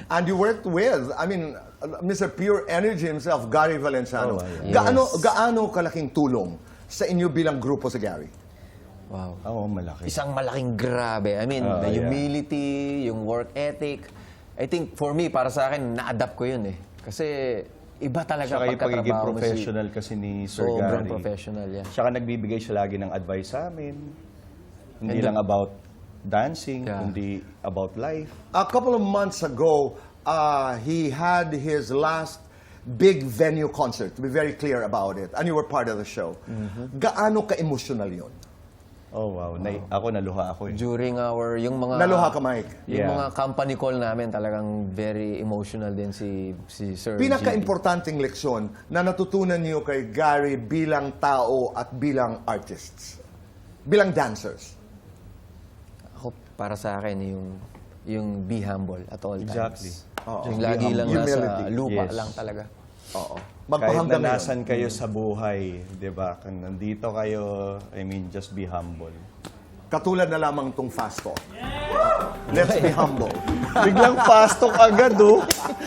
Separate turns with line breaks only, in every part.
And you worked with, I mean, Mr. Pure Energy himself, Gary Valenciano.
Oh, yeah.
Gaano kalaking tulong sa inyo bilang grupo sa Gary?
Wow.
Oo, malaki.
Isang malaking grabe. I mean, the
yeah.
humility, yung work ethic. I think for me, para sa akin, na-adapt ko yun eh. Kasi iba talaga
Saka yung pagiging
pagkatrabaho mo
professional kasi ni Sir
Sobrang
Gary.
professional, yeah.
Saka nagbibigay siya lagi ng advice sa amin. Hindi
And
lang about dancing,
Yeah.
kundi about life.
A couple of months ago, he had his last big venue concert, to be very clear about it. And you were part of the show. Gaano ka-emotional yun?
Oh, wow. Ako naluha ako eh.
During yung mga...
Naluha ka, Mike?
Yung
Yeah.
mga company call namin, talagang very emotional din si Sir G.
Pinaka-importanting leksyon na natutunan niyo kay Gary bilang tao at bilang artists? Bilang dancers?
Ako, para sa akin, yung be humble at all
Exactly.
times.
Oo.
Yung lagi lang
Humility.
nasa lupa
Yes.
lang talaga.
Oo.
Kahit
Magpahanggang
na
ngayon.
nasan kayo sa buhay, di ba? Kung nandito kayo, I mean, just be humble.
Katulad na lamang tong fast talk. Let's be humble.
Biglang fast talk agad, oh.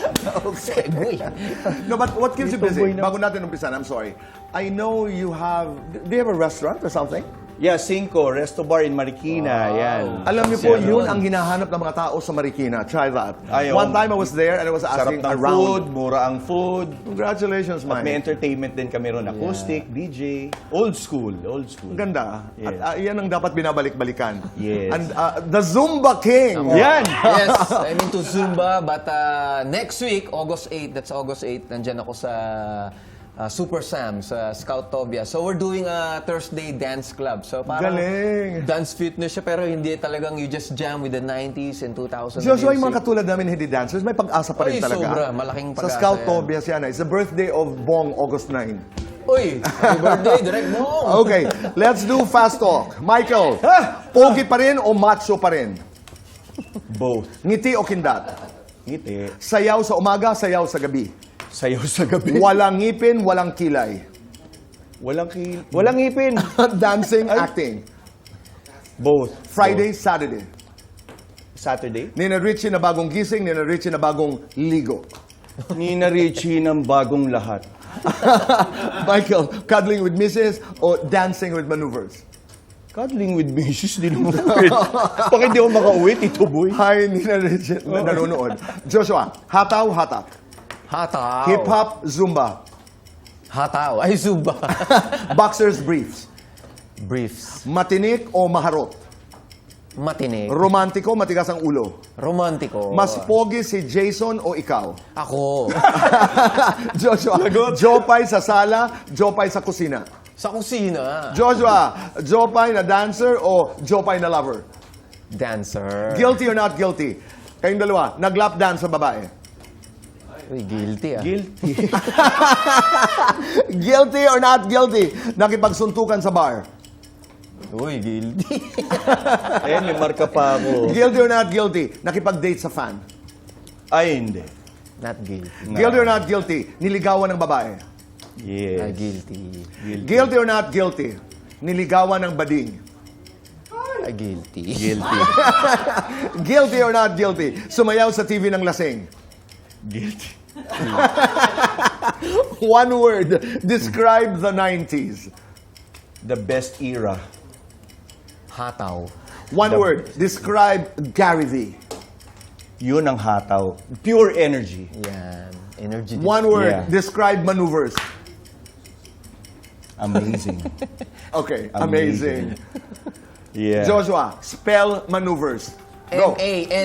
Segue.
No, but what keeps you
Ito,
busy?
boy, na-
Bago natin umpisan, I'm sorry. I know you have... Do you have a restaurant or something?
Yeah, Cinco, Resto Bar in Marikina. Yan.
Alam niyo po,
Kasi
yun ang hinahanap ng mga tao sa Marikina. Try that.
Ayaw.
One time I was there and I was
Sarap
asking
ng
around.
food, mura ang food.
Congratulations,
At may
Mike.
entertainment din kami ron. Acoustic, DJ. Old school, old school.
Ang ganda.
Yes.
At yan ang dapat binabalik-balikan.
Yes.
And the Zumba King.
Yan!
Yes, I'm into Zumba, but next week, August 8, that's August 8, nandyan ako sa Super Sam, sa Scoutopia. So we're doing a Thursday dance club. So parang
Galing.
dance fitness siya, pero hindi talagang you just jam with the 90s and 2000s.
Joshua, yung mga katulad namin hindi dancers, may pag-asa pa rin
Ay,
talaga.
sobra. Malaking
Sa
pag-asa
Scout
yan.
Tobias yan. It's the birthday of Bong, August 9.
Uy, happy birthday, direct mo!
Okay, let's do fast talk. Michael, pogi pa rin o macho pa rin?
Both.
Ngiti o kindat?
Ngiti.
Sayaw sa umaga, sayaw sa gabi.
Sayaw sa gabi.
Walang ngipin, walang kilay.
Walang ngipin.
Dancing, acting.
Both.
Friday, Saturday.
Saturday.
Nina Richie na bagong gising, Nina Richie na bagong ligo.
Nina Richie ng bagong lahat.
Michael, cuddling with Mrs. o dancing with maneuvers?
Cuddling with Mrs. Di naman pwede. Pag hindi ako makauwi, Tito Boy.
Hi, Nina Richie na nanonood. Joshua, hataw, hatak.
Hataw.
Hip-hop, Zumba.
Hataw. Ay, Zumba.
Boxers, briefs.
Briefs.
Matinik o maharot?
Matinig.
Romantiko, matigas ang ulo.
Romantiko.
Mas pogi si Jason o ikaw?
Ako.
Joshua, Jopay sa sala, Jopay sa kusina.
Sa kusina.
Joshua, Jopay na dancer o Jopay na lover?
Dancer.
Guilty or not guilty? Kayong dalawa, nag-lap dance sa babae.
Uy, guilty ah.
Guilty.
Guilty or not guilty? Nakipagsuntukan sa bar.
Uy, guilty.
Ayan, may marka pa ako.
Guilty or not guilty? Nakipag-date sa fan.
Ay, hindi.
Not guilty.
Guilty or not guilty? Niligawan ng babae.
Yes.
Guilty.
Guilty or not guilty? Niligawan ng bading.
Guilty.
Guilty.
Guilty or not guilty? Sumayaw sa TV ng lasing.
Guilty.
One word, describe the 90s.
The best era.
Hataw.
One word, describe Gary V.
Yun ang hataw. Pure energy.
Yan. Energy.
One word,
Yeah.
describe maneuvers.
Amazing.
Okay, amazing.
Yeah.
Joshua, spell maneuvers. Go.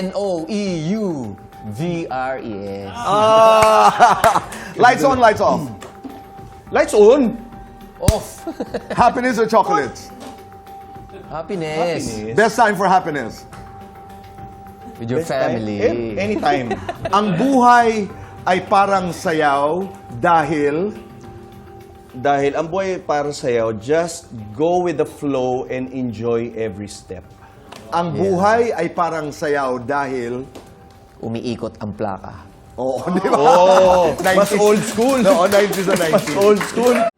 Maneuvers.
Lights on, lights off.
Lights on.
Off.
Happiness or chocolates?
Happiness.
Best time for happiness.
With your
Best time.
family.
Anytime.
Ang buhay ay parang sayaw dahil
Dahil ang buhay para sa'yo, just go with the flow and enjoy every step.
ang buhay ay parang sayaw dahil
Umiikot ang plaka.
Oo, di ba?
Oh, mas
90s.
old school.
Oo, 90s and 90s.
Mas old school.